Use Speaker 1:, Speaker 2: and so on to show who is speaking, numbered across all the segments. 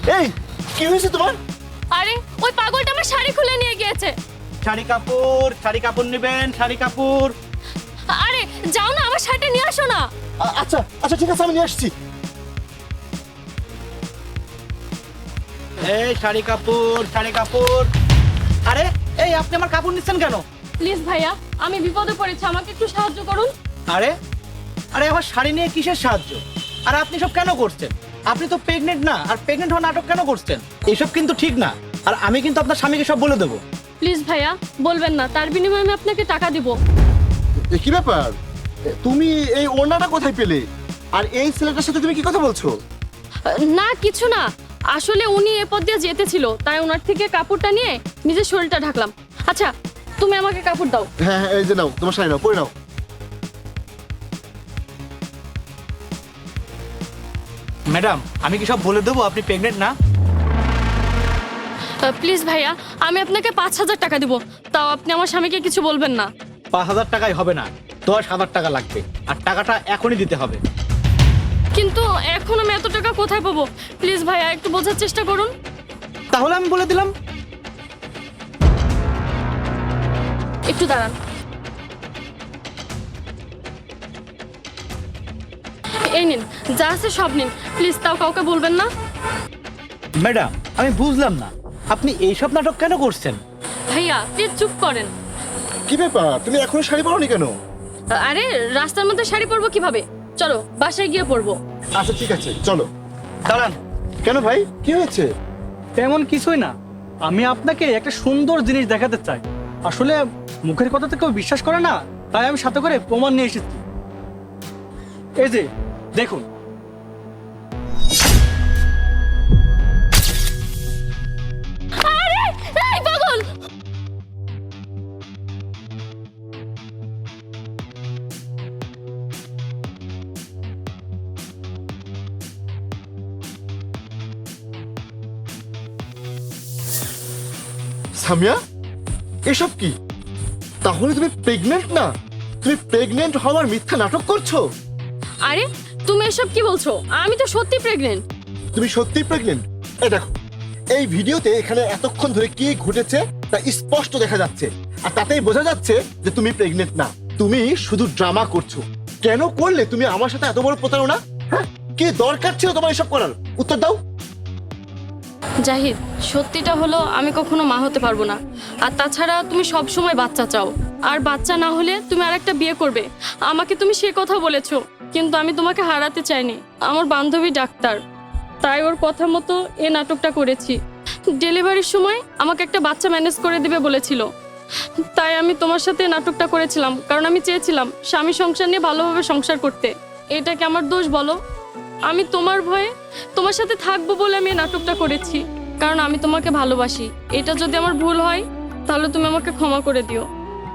Speaker 1: এই কি হয়েছে তোমার?
Speaker 2: আরে ওই পাগলটা আমার শাড়ি খুলে নিয়ে গিয়েছে।
Speaker 3: শাড়ি কাপড় নেবেন, শাড়ি কাপড়।
Speaker 2: আরে যাও না, আমার শাড়িটা নিয়ে আসো না।
Speaker 1: আচ্ছা আচ্ছা ঠিক আছে, আমি নিয়ে আসছি।
Speaker 3: এই শাড়ি কাপড়। আরে এই আপনি আমার কাপড় নিচ্ছেন কেন?
Speaker 2: প্লিজ ভাইয়া, আমি বিপদে পড়েছি, আমাকে একটু সাহায্য করুন।
Speaker 3: আরে আরে আমার শাড়ি নিয়ে কিসের সাহায্য? আর আপনি সব কেন করছেন? আপনি তো প্রেগনেন্ট না, আর প্রেগনেন্ট হওয়ার নাটক কেন করছেন? এইসব কিন্তু ঠিক না। আর আমি কিন্তু আপনার স্বামীকে সব বলে দেবো।
Speaker 2: প্লিজ ভাইয়া বলবেন না, তার বিনিময়ে আমি আপনাকে টাকা দিব।
Speaker 1: কি ব্যাপার, তুমি এই ওড়নাটা কোথায় পেলে? আর এই ছেলেটার সাথে তুমি কি কথা বলছো?
Speaker 2: না কিছু না, আসলে উনি এ পথ দিয়ে যেতেছিল, তাই ওনার থেকে কাপড়টা নিয়ে নিজের শরীরটা ঢাকলাম। আচ্ছা তুমি আমাকে কাপড় দাও।
Speaker 1: হ্যাঁ হ্যাঁ, এই যে নাও, তোমার শাড়ি নাও, পরে নাও।
Speaker 3: ম্যাডাম, আমি কি সব বলে দেবো আপনি প্রেগনেন্ট না?
Speaker 2: প্লিজ ভাইয়া, আমি আপনাকে 5,000 টাকা দিব, তাও আপনি আমার স্বামীকে কিছু বলবেন না।
Speaker 3: 5,000 টাকায় হবে না, 10,000 টাকা লাগবে। আর টাকাটা এখনই দিতে হবে।
Speaker 2: কিন্তু এখন আমি এত টাকা কোথায় পাবো? প্লিজ ভাইয়া একটু বোঝার চেষ্টা করুন।
Speaker 3: তাহলে আমি বলে দিলাম।
Speaker 2: একটু দাঁড়ান। এই নিন, যা আছে সব নিন, প্লিজ তাও কাউকে বলবেন না।
Speaker 3: ম্যাডাম, আমি বুঝলাম না আপনি এইসব নাটক কেন করছেন?
Speaker 2: ভাইয়া প্লিজ চুপ করেন।
Speaker 1: কি ব্যাপার, তুমি এখনো শাড়ি পরোনি কেন?
Speaker 2: আরে রাস্তার মধ্যে শাড়ি পরবো কিভাবে? চলো বাসায় গিয়ে পরবো।
Speaker 1: আচ্ছা ঠিক আছে, চলো।
Speaker 3: দাঁড়ান।
Speaker 1: কেন ভাই, কি হয়েছে?
Speaker 4: তেমন কিছুই না, আমি আপনাকে একটা সুন্দর জিনিস দেখাতে চাই। আসলে মুখের কথা তো কেউ বিশ্বাস করে না, তাই আমি সাথে করে প্রমাণ নিয়ে এসেছি। এই যে দেখুন।
Speaker 2: আরে এই পাগল!
Speaker 1: সামিয়া, এসব কি? তাহলে তুমি প্রেগনেন্ট না? তুমি প্রেগনেন্ট হওয়ার মিথ্যা নাটক করছো?
Speaker 2: আরে তুমি এসব কি বলছো? আমি তো সত্যি প্রেগনেন্ট।
Speaker 1: তুমি সত্যিই প্রেগনেন্ট? এই দেখো, এই ভিডিওতে এখানে এতক্ষণ ধরে কি ঘটেছে তা স্পষ্ট দেখা যাচ্ছে। আর তাতেই বোঝা যাচ্ছে যে তুমি প্রেগনেন্ট না, তুমি শুধু ড্রামা করছো। কেন করলে তুমি আমার সাথে এত বড় প্রতারণা? হ্যাঁ, কি দরকার ছিল তোমার এসব করার? উত্তর দাও।
Speaker 2: জাহিদ, সত্যিটা হলো আমি কখনো মা হতে পারবো না। আর তাছাড়া তুমি সব সময় বাচ্চা চাও, আর বাচ্চা না হলে তুমি আরেকটা বিয়ে করবে। আমাকে তুমি সে কথা বলেছো, কিন্তু আমি তোমাকে হারাতে চাইনি। আমার বান্ধবী ডাক্তার, তাই ওর কথা মতো এ নাটকটা করেছি। ডেলিভারির সময় আমাকে একটা বাচ্চা ম্যানেজ করে দিবে বলেছিল, তাই আমি তোমার সাথে নাটকটা করেছিলাম, কারণ আমি চেয়েছিলাম স্বামী সংসার নিয়ে ভালোভাবে সংসার করতে। এটা কি আমার দোষ বলো? আমি তোমার ভয়ে তোমার সাথে থাকবো বলে আমি এই নাটকটা করেছি, কারণ আমি তোমাকে ভালোবাসি। এটা যদি আমার ভুল হয় তাহলে তুমি আমাকে ক্ষমা করে দিও।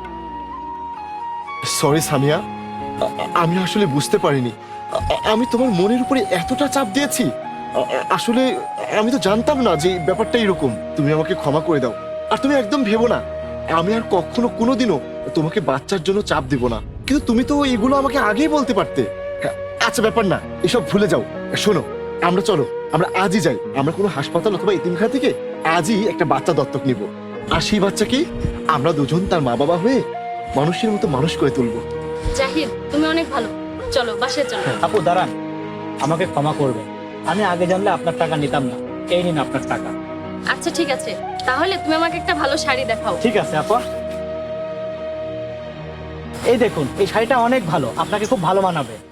Speaker 1: সরি সামিয়া, আমি আসলে বুঝতে পারিনি। আমি তোমার মনের উপরে এতটা চাপ দিয়েছি। আসলে আমি তো জানতাম না যে ব্যাপারটা এরকম। তুমি আমাকে ক্ষমা করে দাও। আর তুমি একদম ভেবো না আমি আর কখনো কোনোদিনও তোমাকে বাচ্চার জন্য চাপ দিব না। কিন্তু তুমি তো এগুলো আমাকে আগেই বলতে পারতে। আচ্ছা ব্যাপার না, এসব ভুলে যাও। শোনো, চলো আমরা আজই যাই। আমরা কোনো হাসপাতাল অথবা এতিমখানা থেকে আজই একটা বাচ্চা দত্তক নিব। আর সেই বাচ্চাকে আমরা দুজন তার মা বাবা হয়ে মানুষের মতো মানুষ করে তুলবো।
Speaker 2: জাহিদ তুমি অনেক ভালো, চলো বাসায় চলো।
Speaker 3: আপু দাঁড়ান, আমাকে ক্ষমা করবে। আমি আগে জানলে আপনার টাকা নিতাম না। এই নিন আপনার টাকা।
Speaker 2: আচ্ছা ঠিক আছে, তাহলে তুমি আমাকে একটা ভালো শাড়ি দেখাও।
Speaker 3: ঠিক আছে আপা, এই দেখুন, এই শাড়িটা অনেক ভালো, আপনাকে খুব ভালো মানাবে।